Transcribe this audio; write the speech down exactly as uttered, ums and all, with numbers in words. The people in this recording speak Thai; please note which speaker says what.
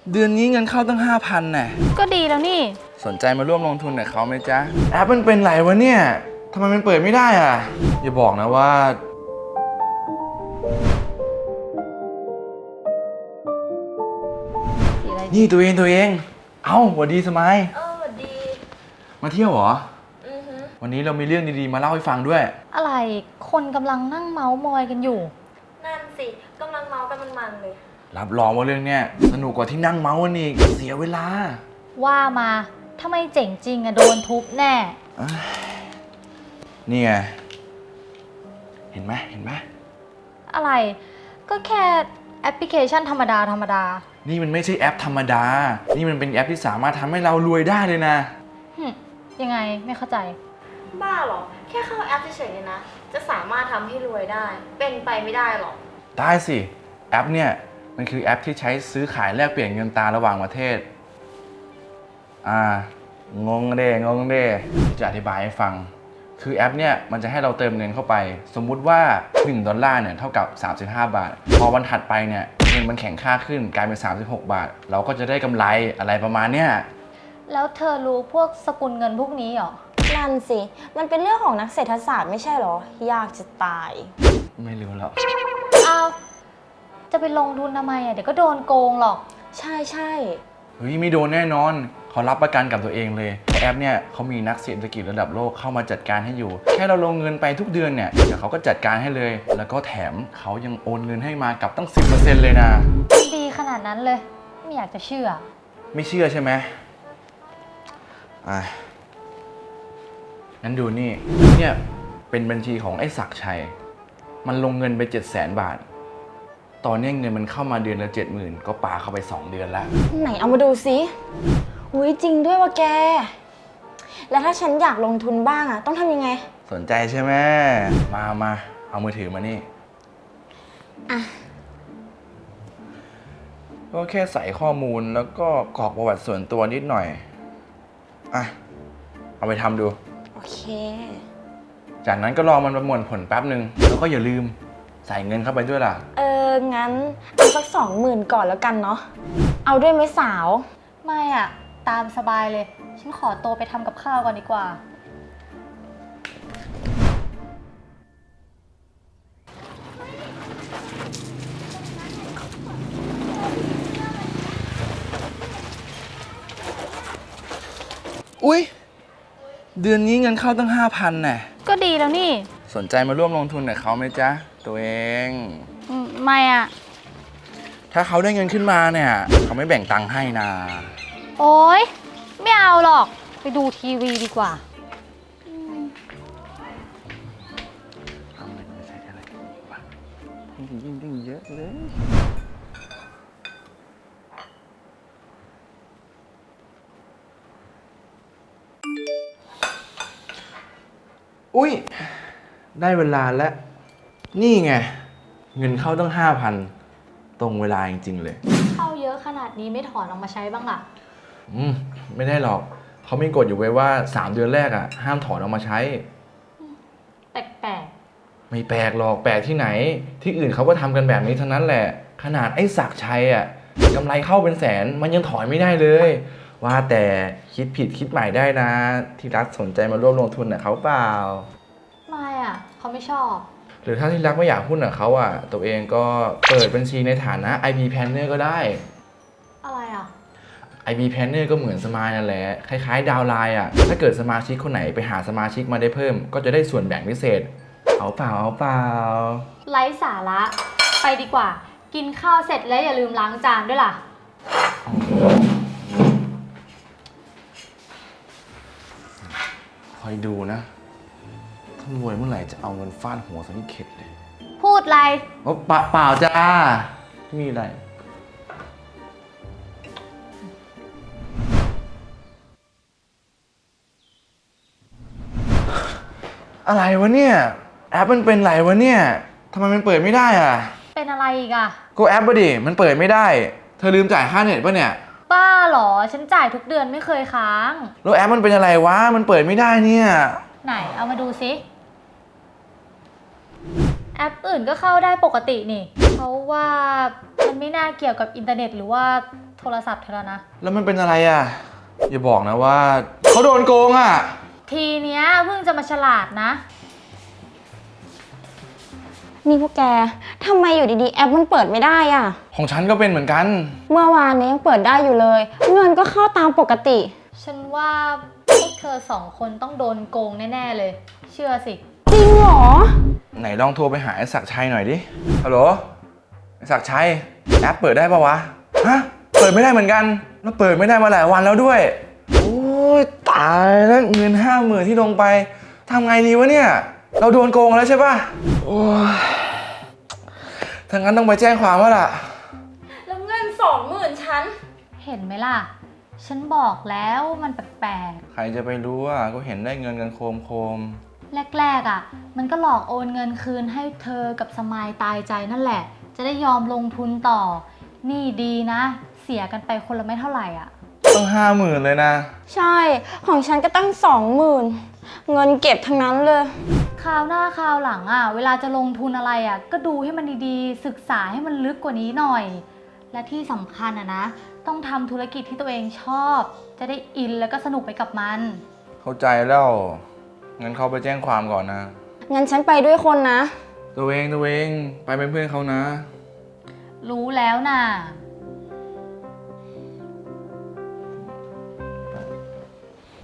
Speaker 1: เดือนนี้เงินเข้าตั้งห้าพันน่ะ
Speaker 2: ก็ดีแล้วนี่
Speaker 1: สนใจมาร่วมลงทุนกับเขาไหมจ๊ะแอปมันเป็นไรวะเนี่ยทำไมมันเปิดไม่ได้อ่ะอย่าบอกนะว่านี่ตัวเองตัวเองเอ้าสวัสดีสมัย
Speaker 3: เออสวัสดี
Speaker 1: มาเที่ยวเหรอ
Speaker 3: อือฮึ
Speaker 1: วันนี้เรามีเรื่องดีๆมาเล่าให้ฟังด้วย
Speaker 2: อะไรคนกำลังนั่งเมาส์มอยกันอยู่
Speaker 3: นั่นสิกำลังเมากันมันๆเลย
Speaker 1: รับรองว่าเรื่องเนี้ยสนุกกว่าที่นั่งเมาส์กันอีกเสียเวลา
Speaker 2: ว่ามาถ้าไม่เจ๋งจริงอะโดนทุบแน่
Speaker 1: นี่ไงเห็นไหมเห็นไหม
Speaker 2: อะไรก็แค่แอปพลิเคชันธรรมดาธรรมดา
Speaker 1: นี่มันไม่ใช่แอปธรรมดานี่มันเป็นแอปที่สามารถทำให้เรารวยได้เลยนะ
Speaker 2: ยังไงไม่เข้าใจ
Speaker 3: บ้าหรอแค่เข้าแอปเฉยๆเนี่ยนะจะสามารถทำให้รวยได้เป็นไปไม่ได้หรอก
Speaker 1: ได้สิแอปเนี่ยมันคือแอปที่ใช้ซื้อขายแลกเปลี่ยนเงินตราระหว่างประเทศอ่างงเด้งงเด้จะอธิบายให้ฟังคือแอปเนี่ยมันจะให้เราเติมเงินเข้าไปสมมุติว่าหนึ่งดอลลาร์เนี่ยเท่ากับสามสิบห้าบาทพอวันถัดไปเนี่ยเงินมันแข็งค่าขึ้นกลายเป็นสามสิบหกบาทเราก็จะได้กำไรอะไรประมาณเนี้ย
Speaker 2: แล้วเธอรู้พวกสกุลเงินพวกนี้หรอ
Speaker 3: นั่นสิมันเป็นเรื่องของนักเศรษฐศาสตร์ไม่ใช่หรอยากจะตาย
Speaker 1: ไม่รู้หรอก
Speaker 2: เอาจะไปลงทุนทำไมอ่ะเดี๋ยวก็โดนโกงหรอก
Speaker 3: ใช่ใช่
Speaker 1: เฮ้ยไม่โดนแน่นอนเขารับประกันกับตัวเองเลยแอปเนี่ยเขามีนักเศรษฐกิจระดับโลกเข้ามาจัดการให้อยู่แค่เราลงเงินไปทุกเดือนเนี่ยเดี๋ยวเขาก็จัดการให้เลยแล้วก็แถมเขายังโอนเงินให้มากับตั้ง สิบเปอร์เซ็นต์ เลยนะ
Speaker 2: ดีขนาดนั้นเลยไม่อยากจะเชื่อ
Speaker 1: ไม่เชื่อใช่ไหมอ่ะงั้นดูนี่เนี่ยเป็นบัญชีของไอ้ศักดิ์ชัยมันลงเงินไป เจ็ดแสน บาทตอนนี้เงินมันเข้ามาเดือนละ เจ็ดหมื่น ก็ปาเข้าไปสองเดือนแล้ว
Speaker 3: ไหนเอามาดูสิอุ้ยจริงด้วยว่ะแกแล้วถ้าฉันอยากลงทุนบ้างอ่ะต้องทำยังไง
Speaker 1: สนใจใช่ไหมมามาเอามือถือมานี่
Speaker 3: อ่ะ
Speaker 1: ก็แค่ใส่ข้อมูลแล้วก็กรอกประวัติส่วนตัวนิดหน่อยอ่ะเอาไปทำดู
Speaker 3: โอเค
Speaker 1: จากนั้นก็รอมันประมวลผลแป๊บหนึ่งแล้วก็อย่าลืมใส่เงินเข้าไปด้วยล่ะ
Speaker 3: เอองั้นเอาสักสองหมื่นก่อนแล้วกันเนาะเอาด้วยไหมสาว
Speaker 2: ไม่อ่ะตามสบายเลยฉันขอตัวไปทำกับข้าวก่อนดีกว่า
Speaker 1: อุ๊ยเดือนนี้เงินเข้าตั้งห้าพันน่ะ
Speaker 2: ก็ดีแล้วนี่
Speaker 1: สนใจมาร่วมลงทุนกับเขาไหมจ๊ะตัวเอง
Speaker 2: ไม่อ่ะ
Speaker 1: ถ้าเขาได้เงินขึ้นมาเนี่ยเขาไม่แบ่งตังค์ให้นะ
Speaker 2: โอ๊ยไม่เอาหรอกไปดูทีวีดีกว่า
Speaker 1: เอาเงินมาใช้อะไรกันดีวะยิ่งยิ่งเยอะเลยอุ้ยได้เวลาแล้วนี่ไงเงินเข้าตั้งห้าพันตรงเวลาจริงๆเลย
Speaker 2: เข้าเยอะขนาดนี้ไม่ถอนออกมาใช้บ้างล่ะ
Speaker 1: อืมไม่ได้หรอกเขามีกฎอยู่ไว้ว่าสามเดือนแรกอ่ะห้ามถอนออกมาใช้
Speaker 2: แปลก
Speaker 1: ๆไม่แปลกหรอกแปลกที่ไหนที่อื่นเขาก็ทำกันแบบนี้ทั้งนั้นแหละขนาดไอ้ศักดิ์ชัยอ่ะกำไรเข้าเป็นแสนมันยังถอนไม่ได้เลยว่าแต่คิดผิดคิดใหม่ได้นะที่รักสนใจมาร่วมลงทุนกับเขาเปล่า
Speaker 2: ไม่อ่ะเขาไม่ชอบ
Speaker 1: หรือถ้าที่รักไม่อยากหุ้นกับเขาอ่ะตัวเองก็เปิดบัญชีในฐานะ ไอ พี Planner ก็ได้
Speaker 2: อะไรอ่ะ
Speaker 1: ไอ พี Planner ก็เหมือนสมายนั่นแหละคล้ายๆดาวไลน์อ่ะถ้าเกิดสมาชิกคนไหนไปหาสมาชิกมาได้เพิ่มก็จะได้ส่วนแบ่งพิเศษเอาเปล่าเอาเปล่า
Speaker 2: ไร้สาระไปดีกว่ากินข้าวเสร็จแล้วอย่าลืมล้างจานด้วยล่ะ
Speaker 1: คอยดูนะถ้ารวยเมื่อไหร่จะเอาเงินฟาดหัวซะที่เข็ดเลย
Speaker 2: พูดอะไร
Speaker 1: โอ้เปล่าเปล่าจ้าไม่มีอะไรอะไรวะเนี่ยแอปมันเป็นไรวะเนี่ยทำไมมันเปิดไม่ได้อ่ะ
Speaker 2: เป็นอะไรอีกอ่ะ
Speaker 1: ก็แอปปะดิมันเปิดไม่ได้เธอลืมจ่ายค่าเน็ตปะเนี่ย
Speaker 2: ป้าหรอฉันจ่ายทุกเดือนไม่เคยค้าง
Speaker 1: แล้วแอปมันเป็นอะไรวะมันเปิดไม่ได้เนี่ย
Speaker 2: ไหนเอามาดูซิแอปอื่นก็เข้าได้ปกตินี่เพราะว่ามันไม่น่าเกี่ยวกับอินเทอร์เน็ตหรือว่าโทรศัพท์เธอแล้วนะ
Speaker 1: แล้วมันเป็นอะไรอ่ะ อย่าบอกนะว่าเขาโดนโกงอ่ะ
Speaker 2: ทีเนี้ยเพิ่งจะมาฉลาดนะ
Speaker 3: นี่พวกแกทำไมอยู่ดีๆแอปมันเปิดไม่ได้อ่ะ
Speaker 1: ของฉันก็เป็นเหมือนกัน
Speaker 3: เมื่อวานนี้ยังเปิดได้อยู่เลย เงินก็เข้าตามปกติ
Speaker 2: ฉันว่าพวกเธอสองคนต้องโดนโกงแน่ๆเลย เชื่อสิ
Speaker 3: จริงเหรอ
Speaker 1: ไหนลองโทรไปหาไอ้ศักดิ์ชัยหน่อยดิ ฮัลโหล ไอ้ศักดิ์ชัย แอปเปิดได้ปะวะ ฮะ เปิดไม่ได้เหมือนกัน แล้วเปิดไม่ได้มาหลายวันแล้วด้วย โอ้ยตายแล้วเงินห้าหมื่นที่ลงไปทำไงดีวะเนี่ย เราโดนโกงแล้วใช่ปะโอ้ยถ้างั้นต้องไปแจ้งความแล้วล่ะ
Speaker 3: แล้วเงินสองหมื่นฉัน
Speaker 2: เห็นไหมล่ะ ฉันบอกแล้วมันแปลก
Speaker 1: ใครจะไปรู้อ่ะ ก็เห็นได้เงินกันโคมโคม
Speaker 2: ๆแรกๆอ่ะ มันก็หลอกโอนเงินคืนให้เธอกับสมายตายใจนั่นแหละ จะได้ยอมลงทุนต่อ นี่ดีนะ เสียกันไปคนละไม่เท่าไหร่อ่ะ
Speaker 1: ต้องห้าหมื่นเลยนะ
Speaker 3: ใช่ ของฉันก็ตั้งสองหมื่นเงินเก็บทั้งนั้นเลย
Speaker 2: คราวหน้าคราวหลังอ่ะ เวลาจะลงทุนอะไรอ่ะ ก็ดูให้มันดีๆ ศึกษาให้มันลึกกว่านี้หน่อย และที่สำคัญอ่ะนะ ต้องทำธุรกิจที่ตัวเองชอบ จะได้อินแล้วก็สนุกไปกับมัน
Speaker 1: เข้าใจแล้ว งั้นเขาไปแจ้งความก่อนนะ
Speaker 3: งั้นฉันไปด้วยคนนะ
Speaker 1: ตัวเองตัวเองไปเป็นเพื่อนเขานะ
Speaker 2: รู้แล้วน่ะ